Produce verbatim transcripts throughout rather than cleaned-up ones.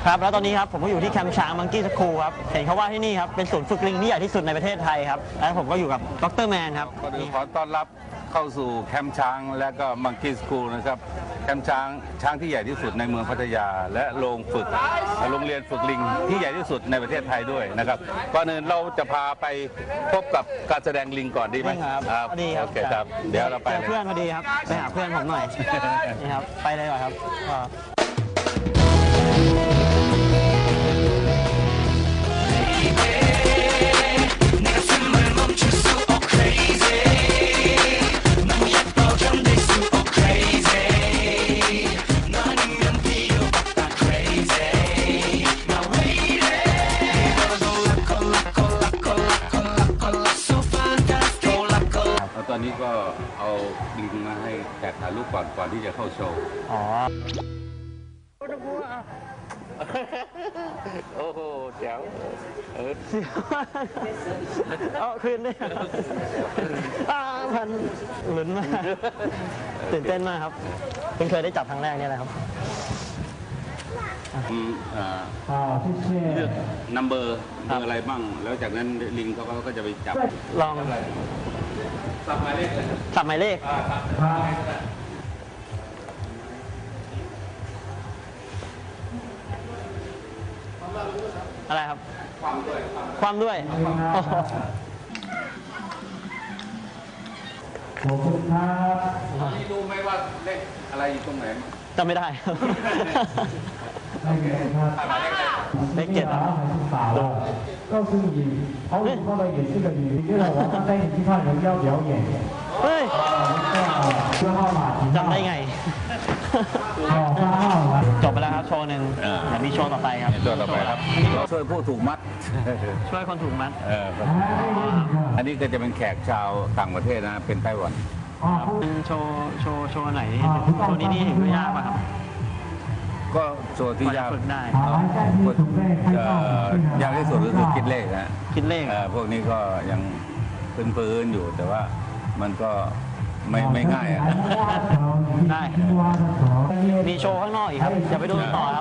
ครับแล้วตอนนี้ครับผมก็อยู่ที่แคมป์ช้างมังกี้สคูลครับเห็นเขาว่าที่นี่ครับเป็นศูนย์ฝึกลิงที่ใหญ่ที่สุดในประเทศไทยครับแล้วผมก็อยู่กับดรแมนครับก็ขอต้อนรับเข้าสู่แคมป์ช้างและก็มังกี้สคูลนะครับแคมป์ช้างช้างที่ใหญ่ที่สุดในเมืองพัทยาและโรงฝึกโรงเรียนฝึกลิงที่ใหญ่ที่สุดในประเทศไทยด้วยนะครับก่อนอื่นเราจะพาไปพบกับการแสดงลิงก่อนดีไหมครับดีครับโอเคครับเดี๋ยวเราไปเพื่อนพอดีครับไปหาเพื่อนผมหน่อยนี่ครับไปเลยว่ะครับตอนนี้ก็เอาลิงมาให้แขกถ่ายรูปก่อนก่อนที่จะเข้าโชว์อ๋อโอ้โหแจ๋วเออเอาคืนด้วยอ้าพันลุ้นมากตื่นเต้นมากครับเพิ่งเคยได้จับครั้งแรกนี่แหละครับอืมอ่าเลือกนัมเบอร์เบอร์อะไรบ้างแล้วจากนั้นลิงเขาก็จะไปจับลองสับหมายเลขเลยสับหมายเลขอะไรครับความด้วยความด้วยขอบคุณครับนี่รู้ไหมว่าเลขอะไรอยู่ตรงไหนจำไม่ได้เลขเจ็ด告诉你，好久后的也是个女，因为我刚才已经看人家表演。 เฮ้ย四号码จำได้ไงจบไปแล้วครับโชว์หนึ่งเดี๋ยวมีโชว์ต่อไปครับโชว์ต่อไปครับช่วยผู้ถูกมัดช่วยคนถูกมัดอันนี้ก็จะเป็นแขกชาวต่างประเทศนะเป็นไต้หวันเป็นโชว์โชว์โชว์ไหนโชว์นี้นี่เห็นว่ายากป่ะครับก็โชว์ที่ยากฝึกได้ยากที่สุดก็คือคิดเลขนะคิดเลขพวกนี้ก็ยังพื้นๆอยู่แต่ว่ามันก็ไม่ไม่ง่ายได้มีโชว์ข้างนอกอีกครับอย่าไปดูต่อครับ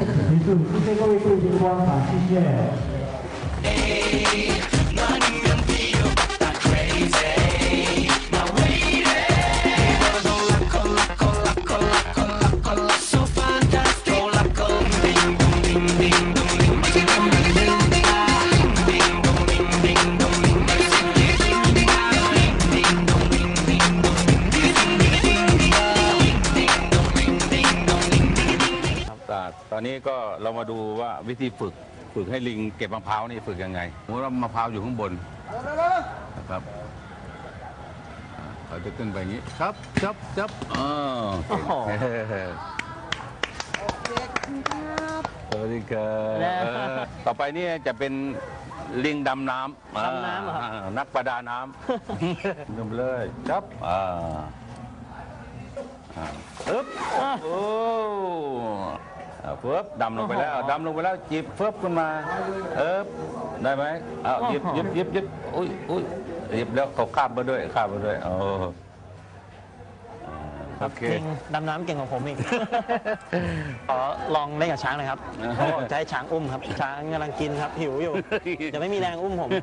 ตอนนี้ก็เรามาดูว่าวิธีฝึกฝึกให้ลิงเก็บมะพร้าวนี่ฝึกยังไงสมมติว่ามะพร้าวอยู่ข้างบนนะครับเขาจะขึ้นไปอย่างนี้ครับจับจับอ๋อสวัสดีครับต่อไปนี่จะเป็นลิงดำน้ำดำน้ำเหรอนักประดาน้ำนุ่มเลยจับอ่าอึ๊บโอ้เฟิบดำลงไปแล้วดำลงไปแล้วจิบเฟิบขึ้นมาเอ๊บได้ไหมอ้าวยิบยิบยิบยิบอุ้ยอุ้ยยิบแล้วเขาคาบมาด้วยคาบมาด้วยโอ้โอเคดำน้ำเก่งกว่าผมอีกขอลองเล่นกับช้างเลยครับเขาบอกจะให้ช้างอุ้มครับช้างกำลังกินครับหิวอยู่จะไม่มีแรงอุ้มผม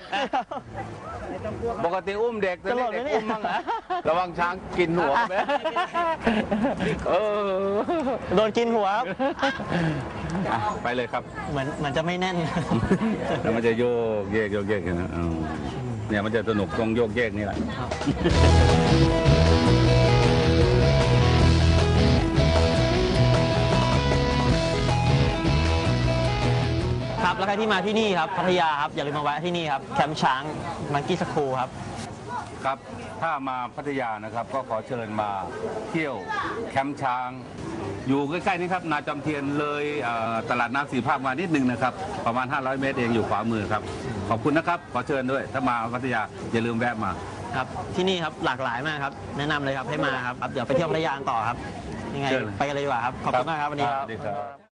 ปกติอุ้มเด็กจะเด็กอุ้มบ้างนะระวังช้างกินหัวไหมเออโดนกินหัวไปเลยครับเหมือนเหมือนจะไม่แน่นแล้วมันจะโยกเยกโยกเยกนะเนี่ยมันจะสนุกตรงโยกเยกนี่แหละครับแล้วใครที่มาที่นี่ครับพัทยาครับอย่าลืมมาแวะที่นี่ครับแคมป์ช้างมังกี้สคูลครับครับถ้ามาพัทยานะครับก็ขอเชิญมาเที่ยวแคมป์ช้างอยู่ใกล้ๆนี้ครับนาจอมเทียนเลยตลาดน้ำสีภาคมานิดนึงนะครับประมาณห้าร้อยเมตรเองอยู่ขวามือครับขอบคุณนะครับขอเชิญด้วยถ้ามาพัทยาอย่าลืมแวะมาครับที่นี่ครับหลากหลายมากครับแนะนำเลยครับให้มาครับเดี๋ยวไปเที่ยวพัทยาต่อครับยังไงไปกันเลยดีกว่าครับขอบคุณมากครับวันนี้ครับ